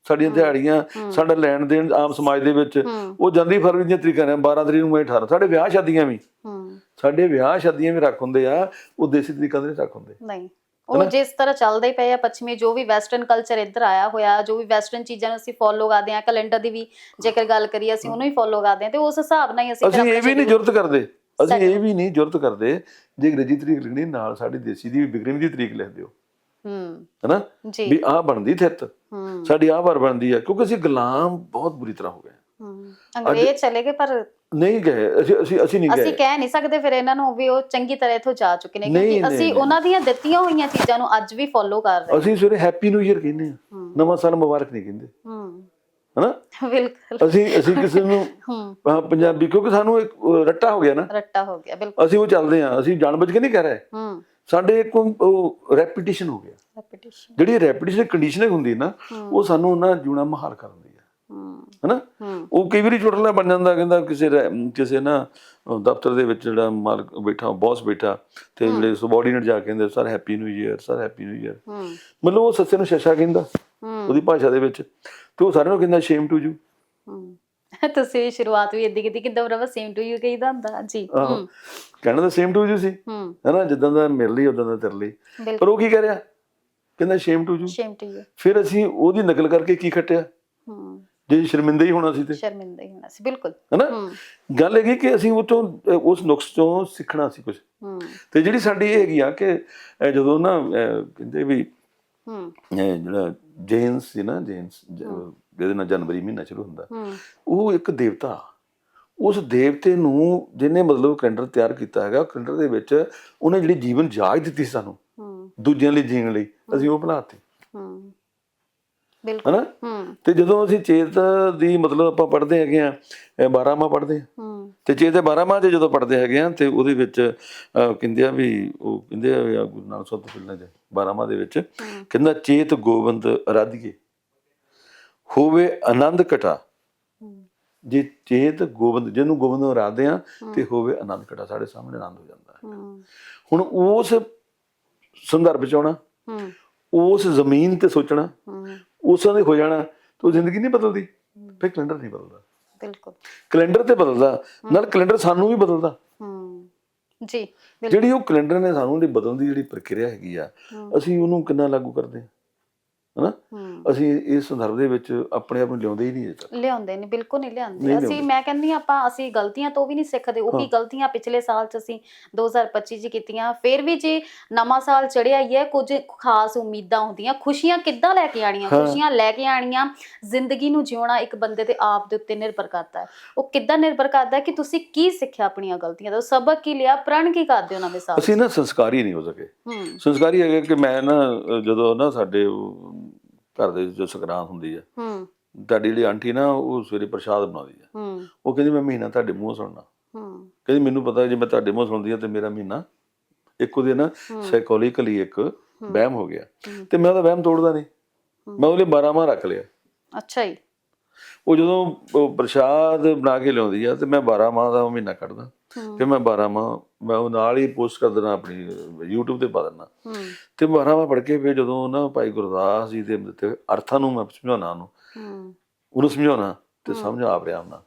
Speaker 2: ਸਾਡੀਆਂ ਦਿਹਾੜੀਆਂ, ਸਾਡਾ ਲੈਣ ਦੇਣ ਆਮ ਸਮਾਜ ਦੇ ਵਿੱਚ ਉਹ ਜਾਂਦੀ ਫਰਵਰੀ ਦੀਆਂ ਤਰੀਕਾਂ ਨੇ, ਬਾਰਾਂ ਤਰੀਕ ਨੂੰ ਅਠਾਰਾਂ। ਸਾਡੇ ਵਿਆਹ ਸ਼ਾਦੀਆਂ ਵੀ ਸਾਡੇ ਵਿਆਹ ਸ਼ਾਦੀਆਂ ਵੀ ਰੱਖ ਹੁੰਦੇ ਆ, ਉਹ ਦੇਸੀ ਤਰੀਕਾਂ ਦੇ ਨਹੀਂ ਰੱਖ ਹੁੰਦੇ।
Speaker 1: ਨਹੀਂ, ਉਹ ਜਿਸ ਤਰ੍ਹਾਂ ਚੱਲਦਾ ਹੀ ਪਿਆ ਪੱਛਮੀ ਜੋ ਵੀ ਵੈਸਟਰਨ ਕਲਚਰ ਇੱਧਰ ਆਇਆ ਹੋਇਆ, ਜੋ ਵੀ ਵੈਸਟਰਨ ਚੀਜ਼ਾਂ ਨੂੰ ਅਸੀਂ ਫੋਲੋ ਕਰਦੇ ਹਾਂ, ਕੈਲੰਡਰ ਦੀ ਵੀ ਜੇਕਰ ਗੱਲ ਕਰੀਏ ਅਸੀਂ ਉਹਨੂੰ ਹੀ ਫੋਲੋ ਕਰਦੇ ਹਾਂ, ਤੇ ਉਸ ਹਿਸਾਬ ਨਾਲ ਹੀ ਅਸੀਂ
Speaker 2: ਅਸੀਂ ਇਹ ਵੀ ਨਹੀਂ ਜੁਰਤ ਕਰਦੇ ਅਸੀਂ ਇਹ ਵੀ ਨਹੀਂ ਜੁਰਤ ਕਰਦੇ ਜੇ ਅੰਗਰੇਜ਼ੀ ਤਰੀਕ ਲਿਖਣੀ ਨਾਲ ਸਾਡੀ ਦੇਸੀ ਦੀ ਬਿਗਰਵੀਂ ਦੀ ਤਰੀਕ ਲਿਖ ਦਿਓ,
Speaker 1: ਹੂੰ
Speaker 2: ਹਨਾ, ਵੀ ਆਹ ਬਣਦੀ ਥਿੱਤ ਸਾਡੀ ਆਹ ਵਾਰ ਬਣਦੀ ਆ, ਕਿਉਂਕਿ ਅਸੀਂ ਗੁਲਾਮ ਬਹੁਤ ਬੁਰੀ ਤਰ੍ਹਾਂ ਹੋ ਗਏ।
Speaker 1: ਅੰਗਰੇਜ਼ ਚਲੇ ਗਏ ਪਰ
Speaker 2: ਨਹੀਂ ਗਏ, ਅਸੀਂ ਅਸੀਂ ਅਸੀਂ ਨਹੀਂ ਗਏ।
Speaker 1: ਅਸੀਂ ਕਹਿ ਨਹੀਂ ਸਕਦੇ ਫਿਰ ਇਹਨਾਂ ਨੂੰ ਵੀ ਉਹ ਚੰਗੀ ਤਰ੍ਹਾਂ ਇੱਥੋਂ ਜਾ ਚੁੱਕੇ ਨੇ, ਕਿਉਂਕਿ ਅਸੀਂ ਉਹਨਾਂ ਦੀਆਂ ਦਿੱਤੀਆਂ ਹੋਈਆਂ ਚੀਜ਼ਾਂ ਨੂੰ ਅੱਜ ਵੀ ਫੋਲੋ ਕਰ ਰਹੇ ਹਾਂ।
Speaker 2: ਅਸੀਂ ਸਵੇਰੇ ਹੈਪੀ ਨਿਊ ਈਅਰ ਕਹਿੰਦੇ ਆ, ਨਵਾਂ ਸਾਲ ਮੁਬਾਰਕ ਨਹੀਂ ਕਹਿੰਦੇ, ਹਨਾ।
Speaker 1: ਬਿਲਕੁਲ
Speaker 2: ਅਸੀਂ ਅਸੀਂ ਕਿਸੇ ਨੂੰ ਪੰਜਾਬੀ, ਕਿਉਂਕਿ ਸਾਨੂੰ ਇੱਕ ਰੱਟਾ ਹੋ ਗਿਆ ਨਾ,
Speaker 1: ਰੱਟਾ ਹੋ ਗਿਆ, ਬਿਲਕੁਲ
Speaker 2: ਅਸੀਂ ਉਹ ਚੱਲਦੇ ਆ, ਅਸੀਂ ਜਾਣਬੁੱਝ ਕੇ ਨਹੀਂ ਕਹਿ ਰਹੇ, ਸਾਡੇ ਇੱਕ ਉਹ ਰੈਪੀਟੀਸ਼ਨ ਹੋ ਗਿਆ।
Speaker 1: ਰੈਪੀਟੀਸ਼ਨ,
Speaker 2: ਜਿਹੜੀ ਰੈਪੀਟੀਸ਼ਨ ਕੰਡੀਸ਼ਨਿੰਗ ਹੁੰਦੀ ਨਾ, ਉਹ ਸਾਨੂੰ ਨਾ ਜਿਉਣਾ ਮੁਹਾਲ ਕਰ ਦਿੰਦੀ ਹੈ, ਹਨਾ। ਉਹ ਕਈ ਵਾਰੀ ਚੁਟਲਾ ਬਣ ਜਾਂਦਾ, ਕਹਿੰਦਾ ਕਿਸੇ ਕਿਸੇ ਨਾ ਦਫ਼ਤਰ ਦੇ ਵਿੱਚ ਜਿਹੜਾ ਮਾਲਕ ਬੈਠਾ, ਬੌਸ ਬੈਠਾ, ਤੇ ਜਿਹੜੇ ਸਬੋਰਡੀਨੇਟ ਜਾ ਕੇ ਕਹਿੰਦੇ sir happy new year, sir happy new year, ਮਤਲਬ ਉਹ ਸੱਸੇ ਨੂੰ ਸ਼ਸ਼ਾ ਕਹਿੰਦਾ ਉਹਦੀ ਭਾਸ਼ਾ ਦੇ ਵਿੱਚ, ਤੇ ਉਹ ਸਾਰਿਆਂ ਨੂੰ ਕਹਿੰਦਾ ਸ਼ੇਮ ਟੂ ਯੂ।
Speaker 1: ਤੁਸੀਂ ਸ਼ੁਰੂਆਤ ਵੀ ਇੱਦਾਂ ਕੀਤੀ, ਕਿਦਾਂ ਬਰਾਬਰ ਸੇਮ ਟੂ ਯੂ ਕਹੀਦਾ ਹੁੰਦਾ ਜੀ,
Speaker 2: ਕਹਿਣਾ ਤਾਂ ਸੇਮ ਟੂ ਯੂ ਸੀ, ਹਨਾ, ਜਿੱਦਾਂ ਦਾ ਮਿਲ ਲਈ ਉਦਾਂ ਦਾ ਤੇਰੇ ਲਈ, ਪਰ ਉਹ ਕੀ ਕਹਿ ਰਿਹਾ, ਕਹਿੰਦਾ shame to you, shame to you. ਫਿਰ ਅਸੀਂ ਉਹਦੀ ਨਕਲ ਕਰਕੇ ਕੀ ਖੱਟਿਆ, ਜੇ ਸ਼ਰਮਿੰਦਾ ਹੀ ਹੋਣਾ ਸੀ ਤੇ
Speaker 1: ਸ਼ਰਮਿੰਦਾ ਹੀ ਹੋਣਾ ਸੀ, ਬਿਲਕੁਲ,
Speaker 2: ਹਨਾ। ਗੱਲ ਹੈਗੀ ਕਿ ਅਸੀਂ ਉਹ ਤੋਂ ਉਸ ਨੁਕਸ ਤੋਂ ਸਿੱਖਣਾ ਸੀ ਕੁਝ, ਤੇ ਜਿਹੜੀ ਸਾਡੀ ਇਹ ਹੈਗੀ ਆ ਕਿ ਜਦੋਂ ਨਾ ਕਹਿੰਦੇ ਵੀ ਜਿਹੜਾ ਜੇਨਸ ਸੀ ਨਾ, ਜੇਨਸ ਜਿਹਦੇ ਨਾਲ ਜਨਵਰੀ ਮਹੀਨਾ ਸ਼ੁਰੂ ਹੁੰਦਾ, ਉਹ ਇੱਕ ਦੇਵਤਾ, ਉਸ ਦੇਵਤੇ ਨੂੰ ਜਿਹਨੇ ਮਤਲਬ ਕੈਲੰਡਰ ਤਿਆਰ ਕੀਤਾ ਹੈਗਾ, ਕੈਲੰਡਰ ਦੇ ਵਿੱਚ ਉਹਨੇ ਜਿਹੜੀ ਜੀਵਨ ਜਾਚ ਦਿੱਤੀ ਸਾਨੂੰ ਦੂਜਿਆਂ ਲਈ ਜੀਣ ਲਈ, ਅਸੀਂ ਉਹ ਬਣਾਤੀ, ਹਨਾ। ਤੇ ਜਦੋਂ ਅਸੀਂ ਚੇਤ ਦੀ ਮਤਲਬ ਆਪਾਂ ਪੜ੍ਹਦੇ ਹੈਗੇ ਆ, ਬਾਰਾਂਮਾਹ ਪੜ੍ਹਦੇ ਆ, ਤੇ ਚੇਤ ਦੇ ਬਾਰਾਂਮਾਹ ਚ ਜਦੋਂ ਪੜ੍ਹਦੇ ਹੈਗੇ ਆ, ਤੇ ਉਹਦੇ ਵਿੱਚ ਕਹਿੰਦੇ ਆ ਵੀ, ਉਹ ਕਹਿੰਦੇ ਆ ਗੁਰੂ ਨਾਨਕ ਸਾਹਿਬ ਤੋਂ ਪਹਿਲਾਂ ਬਾਰਾਂਮਾਹ ਦੇ ਵਿੱਚ ਕਹਿੰਦਾ ਚੇਤ ਗੋਬਿੰਦ ਅਰਾਧੀਏ ਹੋਵੇ ਆਨੰਦ ਘਟਾ, ਜੇ ਚੇਤ ਗੋਬਿੰਦ, ਜਿਹਨੂੰ ਗੋਬਿੰਦ ਨੂੰ ਅਰਾਧਦੇ ਆ ਤੇ ਹੋਵੇ ਆਨੰਦ ਘਟਾ, ਸਾਡੇ ਸਾਹਮਣੇ ਆਨੰਦ ਹੋ ਜਾਂਦਾ ਹੈ। ਹੁਣ ਉਸ ਸੰਦਰਭ ਚ ਆਉਣਾ, ਉਸ ਜ਼ਮੀਨ ਤੇ ਸੋਚਣਾ, ਉਸਾਂ ਦੇ ਹੋ ਜਾਣਾ, ਤੇ ਉਹ ਜ਼ਿੰਦਗੀ ਨਹੀਂ ਬਦਲਦੀ, ਫਿਰ ਕੈਲੰਡਰ ਨਹੀਂ ਬਦਲਦਾ, ਬਿਲਕੁਲ ਕੈਲੰਡਰ ਤੇ ਬਦਲਦਾ, ਨਾਲ ਕੈਲੰਡਰ ਸਾਨੂੰ ਵੀ ਬਦਲਦਾ
Speaker 1: ਜੀ।
Speaker 2: ਜਿਹੜੀ ਉਹ ਕੈਲੰਡਰ ਨੇ ਸਾਨੂੰ ਜਿਹੜੀ ਬਦਲਣ ਦੀ ਜਿਹੜੀ ਪ੍ਰਕਿਰਿਆ ਹੈਗੀ ਆ, ਅਸੀਂ ਉਹਨੂੰ ਕਿੰਨਾ ਲਾਗੂ ਕਰਦੇ ਹਾਂ, ਹਨਾ। ਅਸੀਂ ਇਸ ਸੰਦਰਭ ਦੇ ਵਿੱਚ ਆਪਣੇ ਆਪ ਨੂੰ ਲਿਆਉਂਦੇ ਹੀ ਨਹੀਂ,
Speaker 1: ਲਿਆਉਂਦੇ ਨਹੀਂ, ਬਿਲਕੁਲ ਨਹੀਂ ਲਿਆਉਂਦੇ। ਅਸੀਂ ਮੈਂ ਕਹਿੰਦੀ ਆਪਾਂ ਅਸੀਂ ਗਲਤੀਆਂ ਤੋਂ ਵੀ ਨਹੀਂ ਸਿੱਖਦੇ, ਉਹੀ ਗਲਤੀਆਂ ਪਿਛਲੇ ਸਾਲ ਚ ਅਸੀਂ ਦੋ ਹਜ਼ਾਰ ਪੱਚੀ ਚ ਕੀਤੀਆਂ। ਫਿਰ ਵੀ ਜੇ ਨਵਾਂ ਸਾਲ ਚੜਿਆ ਹੀ ਹੈ, ਕੁਝ ਖਾਸ ਉਮੀਦਾਂ ਹੁੰਦੀਆਂ, ਖੁਸ਼ੀਆਂ ਕਿੱਦਾਂ ਲੈ ਕੇ ਆਣੀਆਂ, ਖੁਸ਼ੀਆਂ ਲੈ ਕੇ ਆਣੀਆਂ, ਜ਼ਿੰਦਗੀ ਨੂੰ ਜਿਉਣਾ ਇੱਕ ਬੰਦੇ ਦੇ ਆਪ ਦੇ ਉੱਤੇ ਨਿਰਭਰ ਕਰਦਾ ਹੈ। ਉਹ ਕਿੱਦਾਂ ਨਿਰਭਰ ਕਰਦਾ ਕਿ ਤੁਸੀਂ ਕੀ ਸਿੱਖਿਆ ਆਪਣੀਆਂ ਗਲਤੀਆਂ ਤੋਂ, ਸਬਕ ਕੀ ਲਿਆ, ਪ੍ਰਣ ਕੀ ਕਰਦੇ ਹੋ ਨਵੇਂ ਸਾਲ।
Speaker 2: ਅਸੀਂ ਨਾ ਸੰਸਕਾਰੀ ਨਹੀਂ ਹੋ ਸਕੇ। ਸੰਸਕਾਰੀ ਹੈਗਾ ਕਿ ਮੈਂ ਨਾ ਜਦੋਂ ਨਾ ਸਾਡੇ ਘਰ ਦੇ ਜੋ ਸੰਗਰਾਂਦ ਹੁੰਦੀ ਆ, ਤੁਹਾਡੀ ਜਿਹੜੀ ਆਂਟੀ ਨਾ ਉਹ ਸਵੇਰੇ ਪ੍ਰਸ਼ਾਦ ਬਣਾਉਂਦੀ ਆ, ਉਹ ਕਹਿੰਦੀ ਮੈਂ ਮਹੀਨਾ ਤੁਹਾਡੇ ਮੂੰਹ ਸੁਣਨਾ, ਕਹਿੰਦੀ ਮੈਨੂੰ ਪਤਾ ਜੇ ਮੈਂ ਤੁਹਾਡੇ ਮੂੰਹ ਸੁਣਦੀ ਆ ਤੇ ਮੇਰਾ ਮਹੀਨਾ ਇੱਕ ਉਹਦੇ ਨਾ ਸਾਈਕੋਲੋਜੀਕਲੀ ਇੱਕ ਵਹਿਮ ਹੋ ਗਿਆ, ਤੇ ਮੈਂ ਉਹਦਾ ਵਹਿਮ ਤੋੜਦਾ ਨਹੀਂ, ਮੈਂ ਉਹਦੇ ਬਾਰਾਂਮਾਹ ਰੱਖ ਲਿਆ। ਅੱਛਾ ਜੀ। ਉਹ ਜਦੋਂ ਪ੍ਰਸ਼ਾਦ ਬਣਾ ਕੇ ਲਿਆਉਂਦੀ ਆ ਤੇ ਮੈਂ ਬਾਰਾਂਮਾਹ ਦਾ ਮਹੀਨਾ ਕੱਢਦਾ, ਫਿਰ ਮੈਂ ਬਾਰਾਂਮਾਹ ਮੈਂ ਉਹ ਨਾਲ ਹੀ ਪੋਸਟ ਕਰ ਦੇਣਾ, ਆਪਣੀ ਯੂਟਿਊਬ ਤੇ ਪਾ ਦੇਣਾ, ਤੇ ਬਾਰਾਂਮਾਹ ਪੜ੍ਹ ਕੇ ਫਿਰ ਜਦੋਂ ਨਾ ਭਾਈ ਗੁਰਦਾਸ ਜੀ ਦੇ ਦਿੱਤੇ ਅਰਥਾਂ ਨੂੰ ਮੈਂ ਸਮਝਾਉਣਾ, ਉਹਨੂੰ ਉਹਨੂੰ ਸਮਝਾਉਣਾ ਤੇ ਸਮਝ ਆ ਰਿਹਾ ਉਹਨਾਂ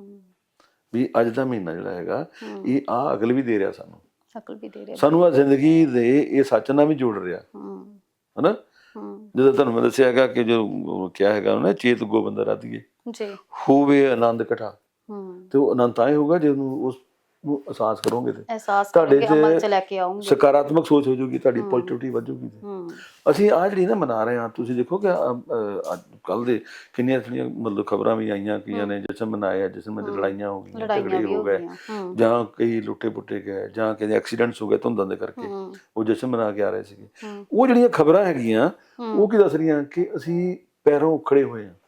Speaker 2: ਵੀ ਅੱਜ ਦਾ ਮਹੀਨਾ ਜਿਹੜਾ ਹੈਗਾ ਇਹ ਆ ਅਕਲ ਵੀ ਦੇ ਰਿਹਾ ਸਾਨੂੰ, ਅਕਲ ਵੀ ਦੇ ਰਿਹਾ ਸਾਨੂੰ, ਆ ਜ਼ਿੰਦਗੀ ਦੇ ਇਹ ਸੱਚ ਨਾਲ ਵੀ ਜੋੜ ਰਿਹਾ, ਹਨਾ। ਜਦੋਂ ਤੁਹਾਨੂੰ ਮੈਂ ਦੱਸਿਆ ਹੈਗਾ ਕਿ ਜੋ ਕਿਹਾ ਹੈਗਾ ਉਹਨੇ ਚੇਤ ਗੋਬਿੰਦ ਅਰਾਧੀਏ ਹੋਵੇ ਆਨੰਦ ਘਟਾ, ਤੇ ਉਹ ਆਨੰਦ ਤਾਂ ਹੀ ਹੋਊਗਾ ਜੇ ਉਹਨੂੰ ਉਸ ਨੂੰ ਅਹਿਸਾਸ ਕਰੋਗੇ ਤੇ ਤੁਹਾਡੇ ਚ ਸਕਾਰਾਤਮਕ ਸੋਚ ਹੋ ਜਾਊਗੀ, ਤੁਹਾਡੀ ਪੋਜ਼ਿਟਿਵਿਟੀ ਵਧੂਗੀ। ਅਸੀਂ ਆਹ ਜਿਹੜੀ ਨਾ ਮਨਾ ਰਹੇ ਹਾਂ, ਤੁਸੀਂ ਦੇਖੋ ਕਿ ਕੱਲ ਦੇ ਕਿੰਨੀਆਂ ਸਾਰੀਆਂ ਮਤਲਬ ਖਬਰਾਂ ਵੀ ਆਈਆਂ, ਕਈਆਂ ਨੇ ਜਸ਼ਨ ਮਨਾਇਆ, ਜਸ਼ਨ ਵਿੱਚ ਲੜਾਈਆਂ ਹੋ ਗਈਆਂ, ਝਗੜੇ ਹੋ ਗਏ, ਜਾਂ ਕਈ ਲੁੱਟੇ ਪੁੱਟੇ ਗਏ, ਜਾਂ ਕਹਿੰਦੇ ਐਕਸੀਡੈਂਟਸ ਹੋ ਗਏ ਧੁੰਦਾਂ ਦੇ ਕਰਕੇ, ਉਹ ਜਸ਼ਨ ਮਨਾ ਕੇ ਆ ਰਹੇ ਸੀਗੇ। ਉਹ ਜਿਹੜੀਆਂ ਖਬਰਾਂ ਹੈਗੀਆਂ ਉਹ ਕੀ ਦੱਸ ਰਹੀਆਂ ਕਿ ਅਸੀਂ ਪੈਰੋਂ ਉਖੜੇ ਹੋਏ ਹਾਂ।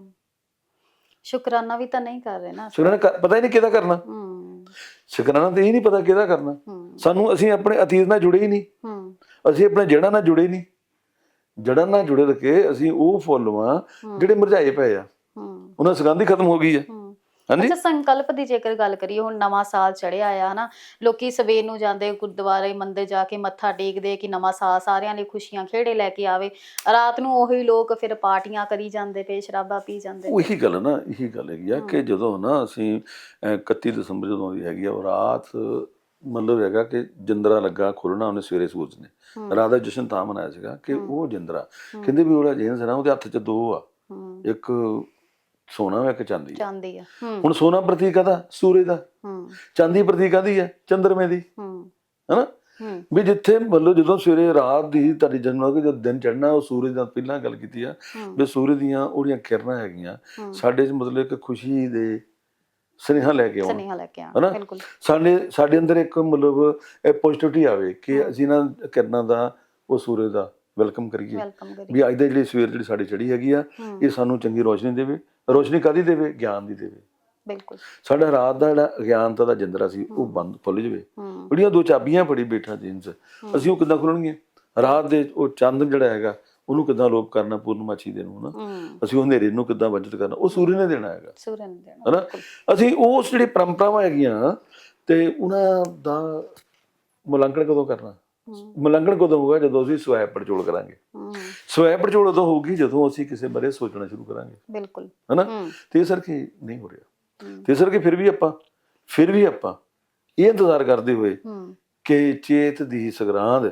Speaker 1: ਸ਼ੁਕਰਾਨਾ ਵੀ ਤਾਂ ਨਹੀਂ ਕਰ ਰਹੇ ਨਾ,
Speaker 2: ਸ਼ੁਕਰਾਨਾ ਪਤਾ ਹੀ ਨਹੀਂ ਕਿਹਦਾ ਕਰਨਾ, ਸ਼ੁਕਰਾਨਾ ਤੇ ਇਹ ਨਹੀਂ ਪਤਾ ਕਿਹਦਾ ਕਰਨਾ। ਸਾਨੂੰ ਅਸੀਂ ਆਪਣੇ ਅਤੀਤ ਨਾਲ ਜੁੜੇ ਹੀ ਨਹੀਂ, ਅਸੀਂ ਆਪਣੇ ਜੜ੍ਹਾਂ ਨਾਲ ਜੁੜੇ ਨਹੀਂ, ਜੜ੍ਹਾਂ ਨਾਲ ਜੁੜੇ ਰੱਖੇ ਅਸੀਂ ਉਹ ਫੁੱਲ ਵਾਂ ਜਿਹੜੇ ਮੁਰਝਾਏ ਪਏ ਆ, ਉਹਨਾਂ ਦੀ ਸੁਗੰਧ ਹੀ ਖਤਮ ਹੋ ਗਈ ਹੈ। ਹਾਂਜੀ
Speaker 1: ਅੱਛਾ, ਸੰਕਲਪ ਦੀ ਜੇਕਰ ਗੱਲ ਕਰੀਏ, ਹੁਣ ਨਵਾਂ ਸਾਲ ਚੜਿਆ ਆ ਹਨਾ, ਲੋਕੀ ਸਵੇਰ ਨੂੰ ਜਾਂਦੇ ਗੁਰਦੁਆਰੇ ਮੰਦਿਰ ਜਾ ਕੇ ਮੱਥਾ ਟੇਕਦੇ ਕਿ ਨਵਾਂ ਸਾਲ ਸਾਰਿਆਂ ਲਈ ਖੁਸ਼ੀਆਂ ਖੇੜੇ ਲੈ ਕੇ ਆਵੇ, ਰਾਤ ਨੂੰ ਉਹੀ ਲੋਕ ਫਿਰ ਪਾਰਟੀਆਂ ਕਰੀ ਜਾਂਦੇ ਪਏ, ਸ਼ਰਾਬਾਂ ਪੀ ਜਾਂਦੇ ਪਏ।
Speaker 2: ਉਹੀ ਗੱਲ ਨਾ, ਇਹੀ ਗੱਲ ਹੈਗੀ ਆ ਕਿ ਜਦੋਂ ਨਾ ਅਸੀਂ ਇਕੱਤੀ ਦਸੰਬਰ ਜਦੋਂ ਦੀ ਹੈਗੀ ਆ ਉਹ ਰਾਤ, ਮਤਲਬ ਹੈਗਾ ਕਿ ਜਿੰਦਰਾ ਲੱਗਾ ਖੁੱਲਣਾ ਉਹਨੇ ਸਵੇਰੇ ਸੂਰਜ ਨੇ, ਰਾਤ ਦਾ ਜਸ਼ਨ ਤਾਂ ਮਨਾਇਆ ਸੀਗਾ ਕਿ ਉਹ ਜਿੰਦਰਾ ਕਹਿੰਦੇ ਵੀ ਉਹਦਾ ਜੇਨ ਸੀ ਨਾ, ਉਹਦੇ ਹੱਥ 'ਚ ਦੋ ਆ, ਇੱਕ ਸੋਨਾ ਇੱਕ ਚਾਂਦੀ
Speaker 1: ਚਾਂਦੀ ਆ।
Speaker 2: ਹੁਣ ਸੋਨਾ ਪ੍ਰਤੀਕ ਕਾਹਦਾ? ਸੂਰਜ ਦਾ। ਚਾਂਦੀ ਪ੍ਰਤੀਕ ਕਾਹਦੀ ਹੈ? ਚੰਦਰਮੇ ਦੀ। ਹਨਾ ਵੀ ਜਿੱਥੇ ਮਤਲਬ ਜਦੋਂ ਸਵੇਰੇ ਰਾਤ ਦੀ ਤੁਹਾਡੀ ਜਨਮ ਜਦੋਂ ਦਿਨ ਚੜ੍ਹਨਾ, ਉਹ ਸੂਰਜ ਦਾ ਪਹਿਲਾਂ ਗੱਲ ਕੀਤੀ ਆ ਵੀ ਸੂਰਜ ਦੀਆਂ ਉਹਦੀਆਂ ਕਿਰਨਾਂ ਹੈਗੀਆਂ ਸਾਡੇ 'ਚ ਮਤਲਬ ਇੱਕ ਖੁਸ਼ੀ ਦੇ ਸੁਨੇਹਾ ਲੈ ਕੇ ਆਉਣ, ਹਨਾ ਸਾਡੇ ਸਾਡੇ ਅੰਦਰ ਇੱਕ ਮਤਲਬ ਇਹ ਪੋਜ਼ਿਟਿਵਿਟੀ ਆਵੇ ਕਿ ਅਸੀਂ ਇਹਨਾਂ ਕਿਰਨਾਂ ਦਾ, ਉਹ ਸੂਰਜ ਦਾ ਵੈਲਕਮ ਕਰੀਏ ਵੀ ਅੱਜ ਦੀ ਜਿਹੜੀ ਸਵੇਰ ਜਿਹੜੀ ਸਾਡੀ ਚੜ੍ਹੀ ਹੈਗੀ ਆ, ਇਹ ਸਾਨੂੰ ਚੰਗੀ ਰੋਸ਼ਨੀ ਦੇਵੇ। ਰੋਸ਼ਨੀ ਕਾਹਦੀ ਦੇਵੇ? ਗਿਆਨ ਦੀ ਦੇਵੇ। ਬਿਲਕੁਲ ਸਾਡਾ ਰਾਤ ਦਾ ਜਿਹੜਾ ਅਗਿਆਨਤਾ ਦਾ ਜਿੰਦਰਾ ਸੀ ਉਹ ਬੰਦ ਖੁੱਲ ਜਾਵੇ। ਜਿਹੜੀਆਂ ਦੋ ਚਾਬੀਆਂ ਫੜੀ ਬੈਠਾ ਜੀਨਸ, ਅਸੀਂ ਉਹ ਕਿੱਦਾਂ ਖੋਲਣਗੀਆਂ? ਰਾਤ ਦੇ ਉਹ ਚੰਦ ਜਿਹੜਾ ਹੈਗਾ ਉਹਨੂੰ ਕਿੱਦਾਂ ਲੋਪ ਕਰਨਾ, ਪੂਰਨਮਾਸ਼ੀ ਦੇ ਨੂੰ, ਹਨਾ ਅਸੀਂ ਉਹ ਹਨੇਰੇ ਨੂੰ ਕਿੱਦਾਂ ਵੰਜਿਤ ਕਰਨਾ, ਉਹ ਸੂਰਜ ਨੇ ਦੇਣਾ ਹੈਗਾ, ਹਨਾ। ਅਸੀਂ ਉਸ ਜਿਹੜੀ ਪਰੰਪਰਾਵਾਂ ਹੈਗੀਆਂ ਤੇ ਉਹਨਾਂ ਦਾ ਮੁਲਾਂਕਣ ਕਦੋਂ ਕਰਨਾ? ਮੁਲਾਂਕਣ ਕਦੋਂ ਹੋਊਗਾ? ਜਦੋਂ ਅਸੀਂ ਸਵੈ ਪੜਚੋਲ ਕਰਾਂਗੇ। ਸਵੈ ਪੜਚੋਲ ਉਦੋਂ ਹੋਊਗੀ ਜਦੋਂ ਅਸੀਂ ਕਿਸੇ ਬਾਰੇ ਸੋਚਣਾ ਸ਼ੁਰੂ ਕਰਾਂਗੇ। ਬਿਲਕੁਲ, ਹਨਾ। ਤੇ ਇਸ ਕਰਕੇ ਨਹੀਂ ਹੋ ਰਿਹਾ, ਤੇ ਇਸ ਕਰਕੇ ਫਿਰ ਵੀ ਆਪਾਂ ਫਿਰ ਵੀ ਆਪਾਂ ਇਹ ਇੰਤਜ਼ਾਰ ਕਰਦੇ ਹੋਏ ਕਿ ਚੇਤ ਦੀ ਸੰਗਰਾਂਦ,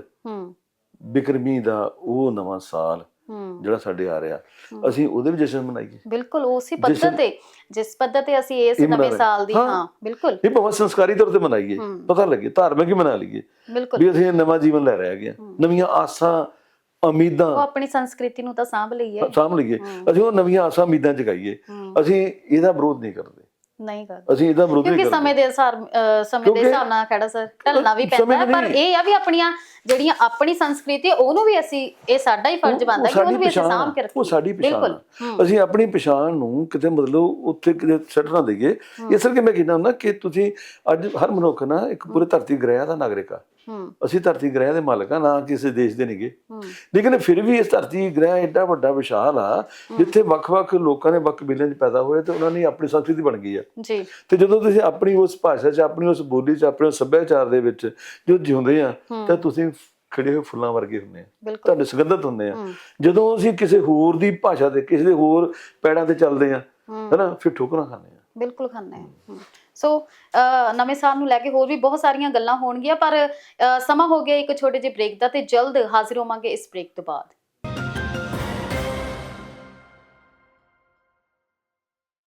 Speaker 2: ਬਿਕਰਮੀ ਦਾ ਉਹ ਨਵਾਂ ਸਾਲ ਜਿਹੜਾ ਸਾਡੇ ਆ ਰਿਹਾ, ਅਸੀਂ ਉਹਦੇ ਵੀ ਜਸ਼ਨ ਮਨਾਈਏ। ਬਿਲਕੁਲ ਉਸੇ ਪੱਧਰ ਤੇ, ਜਿਸ ਪੱਧਰ ਤੇ ਅਸੀਂ ਇਸ ਨਵੇਂ ਸਾਲ ਦੀ, ਹਾਂ ਬਿਲਕੁਲ, ਇਹ ਭਾਵੇਂ ਸੰਸਕਾਰੀ ਤੌਰ ਤੇ ਮਨਾਈਏ, ਪਤਾ ਲੱਗੇ ਧਾਰਮਿਕ ਹੀ ਮਨਾ ਲਈਏ ਵੀ ਅਸੀਂ ਨਵਾਂ ਜੀਵਨ ਲੈ ਰਹੇ ਹੈਗੇ, ਨਵੀਆਂ ਆਸਾਂ ਉਮੀਦਾਂ, ਉਹ ਆਪਣੀ ਸੰਸਕ੍ਰਿਤੀ ਨੂੰ ਤਾਂ ਸਾਂਭ ਲਈਏ ਸਾਂਭ ਲਈਏ ਅਸੀਂ ਉਹ ਨਵੀਆਂ ਆਸਾਂ ਉਮੀਦਾਂ ਜਗਾਈਏ। ਅਸੀਂ ਇਹਦਾ ਵਿਰੋਧ ਨਹੀਂ ਕਰਦੇ, ਨਹੀਂ ਕਰਦੇ ਅਸੀਂ ਇਹਦਾ ਵਿਰੋਧ ਨਹੀਂ ਕਰਦੇ, ਕਿਉਂਕਿ ਸਮੇਂ ਦੇ ਹਿਸਾਬ ਸਮੇਂ ਦੇ ਹਿਸਾਬ ਨਾਲ ਖੜਾ ਸਰ ਢਲਣਾ ਵੀ ਪੈਂਦਾ ਹੈ, ਪਰ ਇਹ ਆ ਵੀ ਆਪਣੀਆਂ ਜਿਹੜੀਆਂ ਆਪਣੀ ਸੰਸਕ੍ਰਿਤੀ ਉਹਨੂੰ ਵੀ ਅਸੀਂ, ਇਹ ਸਾਡਾ ਹੀ ਫਰਜ਼ ਬਣਦਾ ਕਿ ਉਹਨੂੰ ਵੀ ਅਸੀਂ ਸਾਂਭ ਕੇ ਰੱਖੀਏ। ਉਹ ਸਾਡੀ ਪਛਾਣ, ਅਸੀਂ ਆਪਣੀ ਪਛਾਣ ਨੂੰ ਕਿਤੇ ਮਤਲਬ ਉੱਥੇ ਕਿਤੇ ਛੱਡ ਨਾ ਦੇਈਏ। ਇਸ ਕਰਕੇ ਮੈਂ ਕਹਿੰਦਾ ਹੁੰਦਾ ਕਿ ਤੁਸੀਂ ਅੱਜ ਹਰ ਮਨੁੱਖ ਨਾ ਇੱਕ ਪੂਰੇ ਧਰਤੀ ਗ੍ਰਹਿ ਦਾ ਨਾਗਰਿਕ ਆ। ਅਸੀਂ ਧਰਤੀ ਗ੍ਰਹਿ ਦੇ ਮਾਲਕ ਆ, ਨਾ ਕਿਸੇ ਦੇਸ਼ ਦੇ ਨੇਗੇ, ਲੇਕਿਨ ਫਿਰ ਵੀ ਇਸ ਧਰਤੀ ਗ੍ਰਹਿ ਏਡਾ ਵੱਡਾ ਵਿਸ਼ਾਲ ਆ ਜਿੱਥੇ ਵੱਖ-ਵੱਖ ਲੋਕਾਂ ਨੇ ਵੱਖ ਕਬੀਲਿਆਂ 'ਚ ਪੈਦਾ ਹੋਏ ਤੇ ਉਹਨਾਂ ਦੀ ਆਪਣੀ ਸੰਸਕ੍ਰਿਤੀ ਬਣ ਗਈ ਆ। ਤੇ ਜਦੋਂ ਤੁਸੀਂ ਆਪਣੀ ਉਸ ਭਾਸ਼ਾ 'ਚ, ਆਪਣੀ ਉਸ ਬੋਲੀ 'ਚ, ਆਪਣੇ ਸੱਭਿਆਚਾਰ ਦੇ ਵਿੱਚ ਜੋ ਜਿਉਂਦੇ ਆ ਤਾਂ ਤੁਸੀਂ ਖਿੜੇ ਹੋਏ ਫੁੱਲਾਂ ਵਰਗੇ ਹੁੰਦੇ ਆ, ਤੁਹਾਡੇ ਸੁਗੰਧਿਤ ਹੁੰਦੇ ਆ। ਜਦੋਂ ਅਸੀਂ ਕਿਸੇ ਹੋਰ ਦੀ ਭਾਸ਼ਾ ਤੇ, ਕਿਸੇ ਦੇ ਹੋਰ ਪੈੜਾਂ ਤੇ ਚੱਲਦੇ ਆ, ਹਨਾ, ਫਿਰ ਠੋਕਰਾਂ ਖਾਂਦੇ ਆ। ਬਿਲਕੁਲ ਖਾਂਦੇ ਆ। ਸੋ ਨਵੇਂ ਸਾਲ ਨੂੰ ਲੈ ਕੇ ਹੋਰ ਵੀ ਬਹੁਤ ਸਾਰੀਆਂ ਗੱਲਾਂ ਹੋਣਗੀਆਂ, ਪਰ ਸਮਾਂ ਹੋ ਗਿਆ ਇੱਕ ਛੋਟੇ ਜਿਹੇ ਬ੍ਰੇਕ ਦਾ, ਤੇ ਜਲਦ ਹਾਜ਼ਰ ਹੋਵਾਂਗੇ ਇਸ ਬ੍ਰੇਕ ਤੋਂ ਬਾਅਦ।